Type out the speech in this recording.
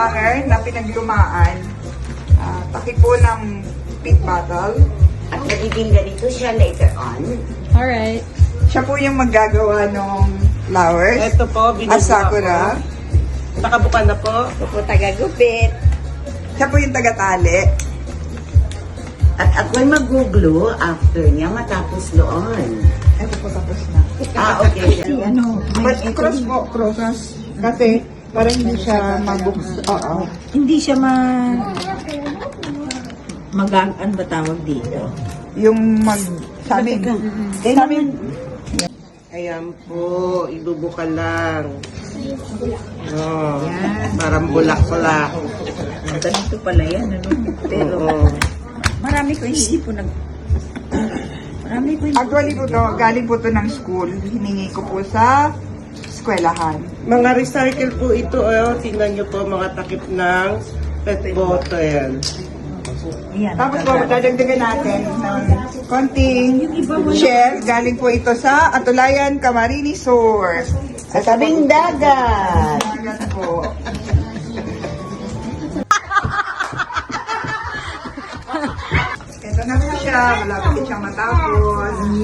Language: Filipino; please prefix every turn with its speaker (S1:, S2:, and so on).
S1: hanger na pinaglumaan. Takip po ng pit bottle.
S2: At magiging ganito siya later on.
S3: Alright.
S1: Siya po yung maggagawa ng flowers.
S4: Ito po,
S1: At sakura.
S4: Nakabuka na po.
S2: Ito po tagagupit.
S1: Siya po yung tagatali.
S2: At ako'y mag-glue after niya matapos doon.
S1: Ito po tapos na.
S2: Okay.
S1: But cross po, cross. Kasi parang hindi siya mabuks. Oo.
S5: Hindi siya ano ba tawag dito?
S1: Yung sa amin. Sa amin.
S4: Ayan po, ibubuka lang. Oh, parang bulak-bulak.
S5: Ganito pala yan, ano? Pero
S4: Oo.
S5: marami ko hindi po
S1: Actually po to, galing po to ng school. Hiningi ko po sa eskwelahan.
S4: Mga recycle po ito. Oh. Tingnan nyo po mga takip ng pet bottle.
S5: Ayan.
S1: Tapos po, dadagdagan natin ng konting shell. Galing po ito sa Atulayan Camarines Sur.
S2: Sa tabing dagat.
S1: Dagat po. Ito na po siya. Malapit siyang matapos.